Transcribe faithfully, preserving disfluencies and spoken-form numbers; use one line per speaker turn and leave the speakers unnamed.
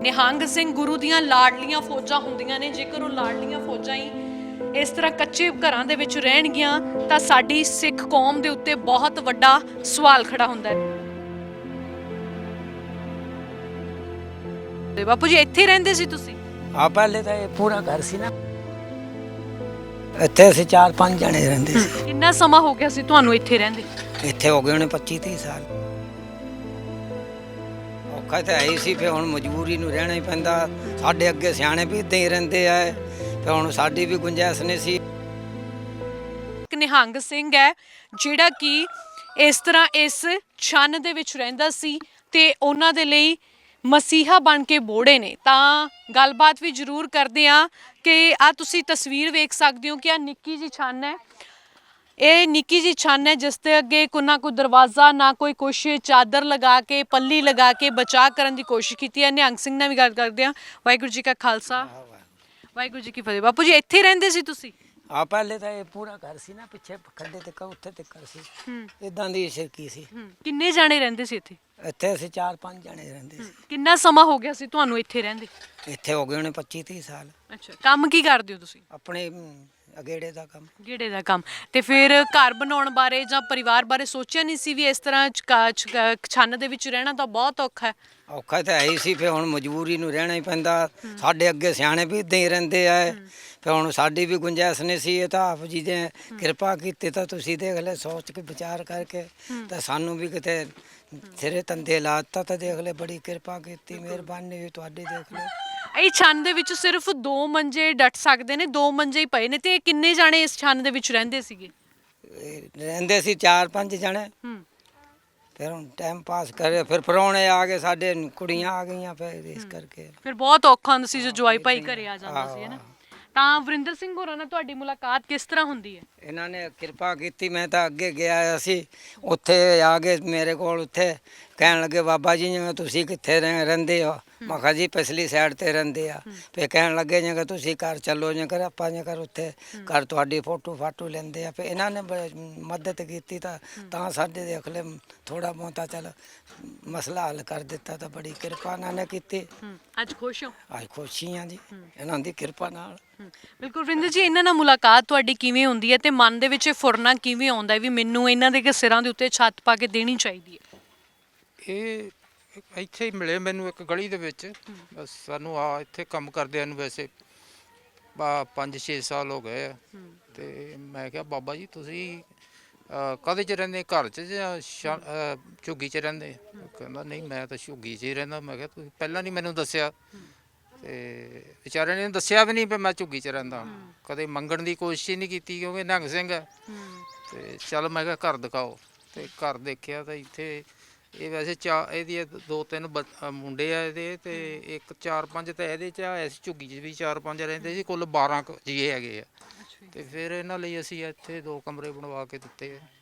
ਨਿਹੰਗ ਸਿੰਘ ਗੁਰੂ ਦੀਆਂ ਲਾਡਲੀਆਂ ਫੌਜਾਂ ਹੁੰਦੀਆਂ ਨੇ। ਜੇਕਰ ਉਹ ਲਾਡਲੀਆਂ ਫੌਜਾਂ ਹੀ ਇਸ ਤਰ੍ਹਾਂ ਕੱਚੇ ਘਰਾਂ ਦੇ ਵਿੱਚ ਰਹਿਣਗੀਆਂ ਤਾਂ ਸਾਡੀ ਸਿੱਖ ਕੌਮ ਦੇ ਉੱਤੇ ਬਹੁਤ ਵੱਡਾ ਸਵਾਲ ਖੜਾ ਹੁੰਦਾ ਹੈ। ਤੇ ਬਾਪੂ ਜੀ ਇੱਥੇ ਰਹਿੰਦੇ ਸੀ ਤੁਸੀਂ?
ਆ ਪਹਿਲੇ ਤਾਂ ਇਹ ਪੂਰਾ ਘਰ ਸੀ ਨਾ, ਇੱਥੇ ਅਸੀਂ ਚਾਰ ਪੰਜ ਜਣੇ ਰਹਿੰਦੇ ਸੀ।
ਕਿੰਨਾ ਸਮਾਂ ਹੋ ਗਿਆ ਸੀ ਤੁਹਾਨੂੰ ਇੱਥੇ ਰਹਿੰਦੇ?
ਇੱਥੇ ਹੋ ਗਏ ਉਹਨੇ ਪੱਚੀ ਤੀਹ ਸਾਲ। ਔਖਾ ਤਾਂ ਹੈ ਹੀ ਸੀ, ਫਿਰ ਹੁਣ ਮਜਬੂਰੀ ਨੂੰ ਰਹਿਣਾ ਹੀ ਪੈਂਦਾ। ਸਾਡੇ ਅੱਗੇ ਸਿਆਣੇ ਵੀ ਇੱਦਾਂ ਹੀ ਰਹਿੰਦੇ ਆ, ਫਿਰ ਹੁਣ ਸਾਡੀ ਵੀ ਗੁੰਜਾਇਸ਼ ਨਹੀਂ ਸੀ।
ਇੱਕ ਨਿਹੰਗ ਸਿੰਘ ਹੈ ਜਿਹੜਾ ਕਿ ਇਸ ਤਰ੍ਹਾਂ ਇਸ ਛੰਨ ਦੇ ਵਿੱਚ ਰਹਿੰਦਾ ਸੀ ਤੇ ਉਹਨਾਂ ਦੇ ਲਈ ਮਸੀਹਾ ਬਣ ਕੇ ਬੋੜੇ ਨੇ। ਤਾਂ ਗੱਲਬਾਤ ਵੀ ਜ਼ਰੂਰ ਕਰਦੇ ਆ ਕਿ ਆ ਤੁਸੀਂ ਤਸਵੀਰ ਵੇਖ ਸਕਦੇ ਹੋ ਕਿ ਆ ਨਿੱਕੀ ਜੀ ਛੰਨ ਹੈ। ਇਹ ਨਿੱਕੀ ਜੀ ਛੰਨ ਹੈ ਜਿਸ ਦੇ ਅੱਗੇ ਕੋਈ ਨਾ ਕੋਈ ਦਰਵਾਜ਼ਾ ਨਾ ਕੋਈ ਕੁਛ, ਚਾਦਰ ਲਗਾ ਕੇ ਪੱਲੀ ਲਗਾ ਕੇ ਬਚਾਅ ਕਰਨ ਦੀ ਕੋਸ਼ਿਸ਼ ਕੀਤੀ ਹੈ। ਨਿਹੰਗ ਸਿੰਘ ਨਾਲ ਵੀ ਗੱਲ ਕਰਦੇ ਆ। ਵਾਹਿਗੁਰੂ ਜੀ ਕਾ ਖਾਲਸਾ, ਵਾਹਿਗੁਰੂ ਜੀ ਕੀ ਫਤਿਹ। ਬਾਪੂ ਜੀ ਇੱਥੇ ਰਹਿੰਦੇ ਸੀ ਤੁਸੀਂ?
ਆ ਪਹਿਲੇ ਤਾਂ ਇਹ ਪੂਰਾ ਘਰ ਸੀ ਨਾ, ਪਿੱਛੇ ਖੱਡੇ ਤੇ ਉੱਥੇ ਤੇ ਘਰ ਸੀ, ਇਦਾਂ ਦੀ ਸ਼ਿਰਕੀ ਸੀ।
ਕਿੰਨੇ ਜਾਣੇ ਰਹਿੰਦੇ ਸੀ ਇੱਥੇ?
ਇੱਥੇ ਅਸੀਂ ਚਾਰ ਪੰਜ ਜਣੇ ਰਹਿੰਦੇ ਸੀ।
ਕਿੰਨਾ ਸਮਾਂ ਹੋ ਗਿਆ ਸੀ ਤੁਹਾਨੂੰ ਇੱਥੇ ਰਹਿੰਦੇ?
ਇੱਥੇ ਹੋ ਗਏ ਉਹਨੇ ਪੱਚੀ ਤੀਹ ਸਾਲ।
ਅੱਛਾ, ਕੰਮ ਕੀ ਕਰਦੇ ਹੋ ਤੁਸੀਂ?
ਆਪਣੇ ਅਗੇੜੇ ਦਾ ਕੰਮ।
ਗੇੜੇ ਦਾ ਕੰਮ। ਤੇ ਫਿਰ ਘਰ ਬਣਾਉਣ ਬਾਰੇ ਜਾਂ ਪਰਿਵਾਰ ਬਾਰੇ ਸੋਚਿਆ ਨਹੀਂ ਸੀ ਵੀ ਇਸ ਤਰ੍ਹਾਂ ਛੰਨ ਦੇ ਵਿੱਚ ਰਹਿਣਾ ਤਾਂ ਬਹੁਤ ਔਖਾ ਹੈ?
ਔਖਾ ਤਾਂ ਹੈ ਹੀ ਸੀ, ਫਿਰ ਹੁਣ ਮਜਬੂਰੀ ਨੂੰ ਰਹਿਣਾ ਹੀ ਪੈਂਦਾ। ਸਾਡੇ ਅੱਗੇ ਸਿਆਣੇ ਵੀ ਇੱਦਾਂ ਹੀ ਰਹਿੰਦੇ ਆ, ਫਿਰ ਹੁਣ ਸਾਡੀ ਵੀ ਗੁੰਜਾਇਸ਼ ਨਹੀਂ ਸੀ। ਇਹ ਤਾਂ ਆਪ ਜੀ ਨੇ ਕਿਰਪਾ ਕੀਤੀ ਤਾਂ ਤੁਸੀਂ ਦੇਖ ਲੈ, ਸੋਚ ਕੇ ਵਿਚਾਰ ਕਰਕੇ ਤਾਂ ਸਾਨੂੰ ਵੀ ਕਿਤੇ ਸਿਰੇ ਤੰਦੇ ਲਾਤਾ ਤਾਂ ਦੇਖ ਲੈ, ਬੜੀ ਕਿਰਪਾ ਕੀਤੀ, ਮਿਹਰਬਾਨੀ ਹੋਈ ਤੁਹਾਡੀ। ਦੇਖ ਲੈ
ਇਹ ਛੰਨ ਦੇ ਵਿੱਚ ਸਿਰਫ ਦੋ ਮੰਜੇ ਡਟ ਸਕਦੇ ਨੇ, ਦੋ ਮੰਜੇ ਹੀ ਪਏ ਨੇ। ਤੇ ਕਿੰਨੇ ਜਾਣੇ ਇਸ ਛੰਨ ਦੇ ਵਿੱਚ ਰਹਿੰਦੇ ਸੀਗੇ?
ਰਹਿੰਦੇ ਸੀ ਚਾਰ ਪੰਜ ਜਣੇ। ਫਿਰ ਹੁਣ ਟਾਈਮ ਪਾਸ ਕਰੇ, ਫਿਰ ਪ੍ਰਾਹੁਣੇ ਆ ਗਏ, ਸਾਡੇ ਕੁੜੀਆਂ ਆ ਗਈਆਂ, ਫਿਰ ਇਸ ਕਰਕੇ
ਫਿਰ ਬਹੁਤ ਔਖਾ ਹੁੰਦਾ ਸੀ ਜੋ ਜਵਾਈ ਭਾਈ ਘਰੇ ਆ ਜਾਂਦਾ ਸੀ, ਹੈ ਨਾ। ਤਾਂ ਵਰਿੰਦਰ ਸਿੰਘ ਹੋਰਾਂ ਨਾਲ ਤੁਹਾਡੀ ਮੁਲਾਕਾਤ ਕਿਸ ਤਰ੍ਹਾਂ ਹੁੰਦੀ ਹੈ?
ਇਹਨਾਂ ਨੇ ਕਿਰਪਾ ਕੀਤੀ। ਮੈਂ ਤਾਂ ਅੱਗੇ ਗਿਆ ਸੀ, ਉੱਥੇ ਆ ਗਏ ਮੇਰੇ ਕੋਲ, ਉੱਥੇ ਕਹਿਣ ਲੱਗੇ ਬਾਬਾ ਜੀ ਜਿਵੇਂ ਤੁਸੀਂ ਕਿੱਥੇ ਰਹਿ ਰਹਿੰਦੇ ਹੋ? ਮੈਂ ਕਿਹਾ ਜੀ ਪਿਛਲੀ ਸਾਈਡ ਤੇ ਰਹਿੰਦੇ ਆ। ਫਿਰ ਕਹਿਣ ਲੱਗੇ ਜੇ ਤੁਸੀਂ ਘਰ ਚੱਲੋ, ਜੇ ਕਰ ਆਪਾਂ ਜੇ ਕਰ ਉੱਥੇ ਘਰ ਤੁਹਾਡੀ ਫੋਟੋ ਫਾਟੋ ਲੈਂਦੇ ਆ। ਫਿਰ ਇਹਨਾਂ ਨੇ ਮਦਦ ਕੀਤੀ ਤਾਂ ਤਾਂ ਸਾਡੇ ਦੇਖ ਲੈ ਥੋੜਾ ਬਹੁਤਾ ਚੱਲ ਮਸਲਾ ਹੱਲ ਕਰ ਦਿੱਤਾ। ਤਾਂ ਬੜੀ ਕਿਰਪਾ ਇਹਨਾਂ ਨੇ ਕੀਤੀ।
ਅੱਜ ਖੁਸ਼ ਹੋ?
ਅੱਜ ਖੁਸ਼ੀ ਹਾਂ ਜੀ ਇਹਨਾਂ ਦੀ ਕਿਰਪਾ ਨਾਲ।
ਬਿਲਕੁਲ ਵਰਿੰਦਰ ਜੀ, ਇਹਨਾਂ ਨਾਲ ਮੁਲਾਕਾਤ ਤੁਹਾਡੀ ਕਿਵੇਂ ਹੁੰਦੀ ਹੈ ਤੇ ਮਨ ਦੇ ਵਿੱਚ ਫੁਰਨਾ ਕਿਵੇਂ ਆਉਂਦਾ ਵੀ ਮੈਨੂੰ ਇਹਨਾਂ ਦੇ ਸਿਰਾਂ ਦੇ ਉੱਤੇ ਛੱਤ ਪਾ ਕੇ ਦੇਣੀ ਚਾਹੀਦੀ ਹੈ?
ਇਹ ਇੱਥੇ ਹੀ ਮਿਲੇ ਮੈਨੂੰ ਇੱਕ ਗਲੀ ਦੇ ਵਿੱਚ। ਬਸ ਸਾਨੂੰ ਆ ਇੱਥੇ ਕੰਮ ਕਰਦਿਆਂ ਨੂੰ ਵੈਸੇ ਬਾ ਪੰਜ ਛੇ ਸਾਲ ਹੋ ਗਏ ਆ। ਤੇ ਮੈਂ ਕਿਹਾ ਬਾਬਾ ਜੀ ਤੁਸੀਂ ਕਾਹਦੇ 'ਚ ਰਹਿੰਦੇ, ਘਰ 'ਚ ਜਾਂ ਝੁੱਗੀ 'ਚ ਰਹਿੰਦੇ? ਕਹਿੰਦਾ ਨਹੀਂ ਮੈਂ ਤਾਂ ਝੁੱਗੀ 'ਚ ਹੀ ਰਹਿੰਦਾ। ਮੈਂ ਕਿਹਾ ਤੁਸੀਂ ਪਹਿਲਾਂ ਨਹੀਂ ਮੈਨੂੰ ਦੱਸਿਆ। ਤੇ ਵਿਚਾਰੇ ਨੇ ਦੱਸਿਆ ਵੀ ਨਹੀਂ ਵੀ ਮੈਂ ਝੁੱਗੀ 'ਚ ਰਹਿੰਦਾ। ਕਦੇ ਮੰਗਣ ਦੀ ਕੋਸ਼ਿਸ਼ ਹੀ ਨਹੀਂ ਕੀਤੀ ਕਿਉਂਕਿ ਨਿਹੰਗ ਸਿੰਘ ਹੈ। ਤੇ ਚੱਲ ਮੈਂ ਕਿਹਾ ਘਰ ਦਿਖਾਓ। ਤੇ ਘਰ ਦੇਖਿਆ ਤਾਂ ਇੱਥੇ ਇਹ ਵੈਸੇ ਚਾ ਇਹਦੀ ਦੋ ਤਿੰਨ ਮੁੰਡੇ ਆ ਇਹਦੇ, ਤੇ ਇੱਕ ਚਾਰ ਪੰਜ ਤਾਂ ਇਹਦੇ 'ਚ ਆ। ਇਸ ਝੁੱਗੀ 'ਚ ਵੀ ਚਾਰ ਪੰਜ ਰਹਿੰਦੇ ਸੀ, ਕੁੱਲ ਬਾਰਾਂ ਕੁ ਜੀਏ ਹੈਗੇ ਆ। ਤੇ ਫਿਰ ਇਹਨਾਂ ਲਈ ਅਸੀਂ ਇੱਥੇ ਦੋ ਕਮਰੇ ਬਣਵਾ ਕੇ ਦਿੱਤੇ।